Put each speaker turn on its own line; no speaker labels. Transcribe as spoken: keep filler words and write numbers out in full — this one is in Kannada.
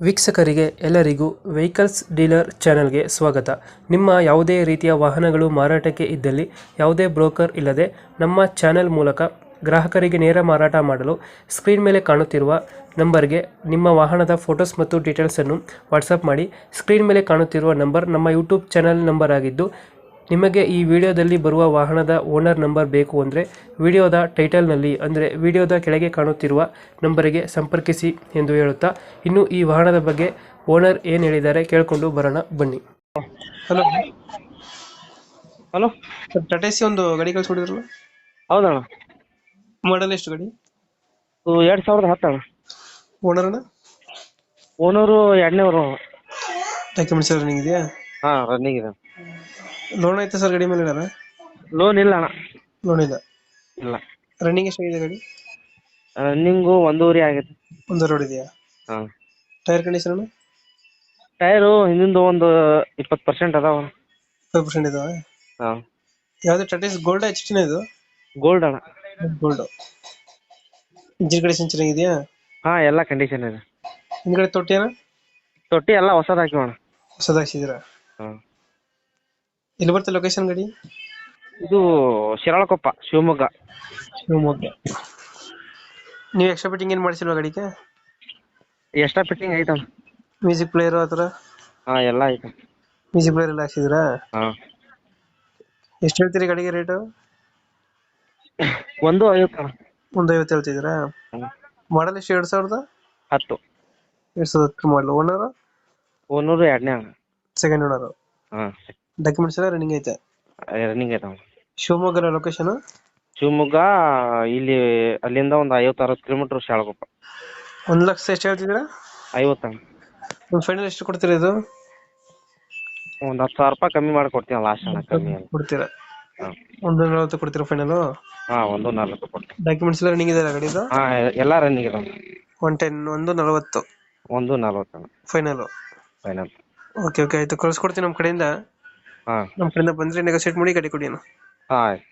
ವೀಕ್ಷಕರಿಗೆ ಎಲ್ಲರಿಗೂ ವೆಹಿಕಲ್ಸ್ ಡೀಲರ್ ಚಾನೆಲ್ಗೆ ಸ್ವಾಗತ. ನಿಮ್ಮ ಯಾವುದೇ ರೀತಿಯ ವಾಹನಗಳು ಮಾರಾಟಕ್ಕೆ ಇದ್ದಲ್ಲಿ ಯಾವುದೇ ಬ್ರೋಕರ್ ಇಲ್ಲದೆ ನಮ್ಮ ಚಾನೆಲ್ ಮೂಲಕ ಗ್ರಾಹಕರಿಗೆ ನೇರ ಮಾರಾಟ ಮಾಡಲು ಸ್ಕ್ರೀನ್ ಮೇಲೆ ಕಾಣುತ್ತಿರುವ ನಂಬರ್ಗೆ ನಿಮ್ಮ ವಾಹನದ ಫೋಟೋಸ್ ಮತ್ತು ಡೀಟೇಲ್ಸನ್ನು ವಾಟ್ಸಪ್ ಮಾಡಿ. ಸ್ಕ್ರೀನ್ ಮೇಲೆ ಕಾಣುತ್ತಿರುವ ನಂಬರ್ ನಮ್ಮ ಯೂಟ್ಯೂಬ್ ಚಾನೆಲ್ ನಂಬರ್ ಆಗಿದ್ದು, ನಿಮಗೆ ಈ ವಿಡಿಯೋದಲ್ಲಿ ಬರುವ ವಾಹನದ ಓನರ್ ನಂಬರ್ ಬೇಕು ಅಂದರೆ ವಿಡಿಯೋದ ಟೈಟಲ್ನಲ್ಲಿ ಅಂದರೆ ವಿಡಿಯೋದ ಕೆಳಗೆ ಕಾಣುತ್ತಿರುವ ನಂಬರಿಗೆ ಸಂಪರ್ಕಿಸಿ ಎಂದು ಹೇಳುತ್ತಾ, ಇನ್ನು ಈ ವಾಹನದ ಬಗ್ಗೆ ಓನರ್ ಏನು ಹೇಳಿದ್ದಾರೆ ಕೇಳಿಕೊಂಡು ಬರೋಣ ಬನ್ನಿ. Hello
hello
sir, Tata C ಒಂದು ಗಾಡಿ ಕಳಿಸ್ಕೊಡಿದ್ರಲ್ಲ,
ಹೌದಣ್ಣ.
ಮಾಡಲ್ ಎಷ್ಟು ಗಾಡಿ?
ಇದು ಎರಡು ಸಾವಿರದ ಹತ್ತು ಅಣ್ಣ.
ಓನರ್ನ
ಓನರು ಎರಡನೇವರು.
ಡಾಕ್ಯುಮೆಂಟ್ಸ್ ರನ್ನಿಂಗ್ ಇದೆಯಾ?
ಹಾಂ, ರನ್ನಿಂಗ್ ಇದೆ.
ಲೋನ್ ಐತೆ ಸರ್ ಗಾಡಿ ಮೇಲೆ?
ಲೋನ್ ಇಲ್ಲ ಅಣ್ಣ.
ಲೋನ್ ಇಲ್ಲ.
ಇಲ್ಲ.
ರನ್ನಿಂಗ್ ಎಷ್ಟಾಗಿದೆ ಗಾಡಿ?
ರನ್ನಿಂಗು ಒಂದೂವರೆ ಆಗೈತೆ.
ಒಂದು ರೋಡ್ ಇದೆಯಾ?
ಹಾಂ.
Tyre condition?
ಟೈರು ಹಿಂದಿಂದು ಒಂದು ಇಪ್ಪತ್ತು ಪರ್ಸೆಂಟ್ ಅದಾವ.
ಫೈವ್ ಪರ್ಸೆಂಟ್ ಇದಾವೆ.
ಹಾಂ.
ಯಾವುದು ಟಾಟಾ ಸಿ ಗೋಲ್ಡ್ ಎಚ್ ಟಿನ ಇದು?
ಗೋಲ್ಡ್ ಅಣ್ಣ.
ಗೋಲ್ಡ್. ಇಂಜಿನ್ ಕಂಡೀಷನ್ ಚೆನ್ನಾಗಿದೆಯಾ?
ಹಾಂ, ಎಲ್ಲ ಕಂಡೀಷನ್ ಇದೆ.
ಹಿಂದ್ಗಡೆ ತೊಟ್ಟಿನ?
ತೊಟ್ಟಿ ಎಲ್ಲ ಹೊಸದು ಹಾಕಿವಣ್ಣ.
ಹೊಸದಾಗಿಸಿದ್ರ?
ಹಾಂ.
ಎಲ್ಲಿ ಬರ್ತದೆ ಲೊಕೇಶನ್ ಗಾಡಿ?
ಇದು ಶಿರಾಳಕೊಪ್ಪ, ಶಿವಮೊಗ್ಗ.
ಶಿವಮೊಗ್ಗ. ನೀವು ಎಕ್ಸ್ಟ್ರಾ ಫಿಟ್ಟಿಂಗ್ ಏನು ಮಾಡಿಸಿಲ್ವಾ ಗಾಡಿಗೆ?
ಎಕ್ಸ್ಟ್ರಾ ಫಿಟ್ಟಿಂಗ್ ಐತಣ್ಣ.
ಮ್ಯೂಸಿಕ್ ಪ್ಲೇಯರು ಆ ಥರ?
ಹಾಂ, ಎಲ್ಲ ಐತೆ.
ಮ್ಯೂಸಿಕ್ ಪ್ಲೇಯರ್ ಎಲ್ಲ ಹಾಕ್ಸಿದ್ರಾ?
ಹಾಂ.
ಎಷ್ಟು ಹೇಳ್ತೀರಿ ಗಾಡಿಗೆ ರೇಟು?
ಒಂದು ಐವತ್ತು ಅಣ್ಣ.
ಒಂದು ಐವತ್ತು ಹೇಳ್ತಿದ್ದೀರಾ?
ಹ್ಞೂ.
ಮಾಡಲ್ ಎಷ್ಟು? ಎರಡು ಸಾವಿರದ
ಹತ್ತು.
ಎರಡು ಸಾವಿರದ ಹತ್ತು ಮಾಡಲು. ಓನರು?
ಓನರು ಎರಡನೇ ಅಣ್ಣ.
Second owner.
ಹಾಂ.
ಡಾಕ್ಯುಮೆಂಟ್ಸ್ ಎಲ್ಲ ರನ್ನಿಂಗ್ ಐತೆ?
ರನ್ನಿಂಗ್ ಐತೆ ಅಣ್ಣ.
ಶಿವಮೊಗ್ಗ ಲೊಕೇಶನ್?
ಶಿವಮೊಗ್ಗ. ಇಲ್ಲಿ ಅಲ್ಲಿಂದ ಒಂದು ಐವತ್ತು ಅರವತ್ತು ಕಿಲೋಮೀಟರ್ ಶಾಳಕೊಪ್ಪ.
ಒಂದು ಲಕ್ಷ ಎಷ್ಟು ಹೇಳ್ತಿದ್ದೀರಾ?
ಐವತ್ತಣ್ಣ.
ಒಂದು ಫೈನಲ್ ಎಷ್ಟು ಕೊಡ್ತೀರಾ ಇದು?
ಒಂದು ಹತ್ತು ಸಾವಿರ ರೂಪಾಯಿ ಕಮ್ಮಿ ಮಾಡಿ ಕೊಡ್ತೀನಿ ಲಾಸ್ಟ್ ಅಣ್ಣ. ಕಮ್ಮಿ ಅಲ್ಲ.
ಕೊಡ್ತೀರಾ?
ಹಾಂ.
ಒಂದು ನಲವತ್ತು ಕೊಡ್ತೀರಾ ಫೈನಲು?
ಹಾಂ, ಒಂದು ನಲ್ವತ್ತು ಕೊಡ್ತೀನಿ.
ಡಾಕ್ಯುಮೆಂಟ್ಸ್ ಎಲ್ಲ ರನ್ನಿಂಗ್ ಇದೆ ಗಾಡಿದು?
ಹಾಂ, ಎಲ್ಲ ರನ್ನಿಂಗ್ ಇದಾವೆ.
ಒನ್ ಟೆನ್ ಒಂದು ನಲವತ್ತು
ಒಂದು ನಲ್ವತ್ತು ಅಣ್ಣ
ಫೈನಲು?
ಫೈನಲ್.
ಓಕೆ ಓಕೆ ಆಯಿತು, ಕಳ್ಸ್ಕೊಡ್ತೀನಿ ನಮ್ಮ ಕಡೆಯಿಂದ.
ಹಾಂ.
ನಮ್ಮ ಕಡೆಯಿಂದ ಬಂದರೆ ನೆಗೋಸಿಯೇಟ್ ಮಾಡಿ ಗಾಡಿ ಕೊಡಿ ಅಣ್ಣ.
ಹಾಂ.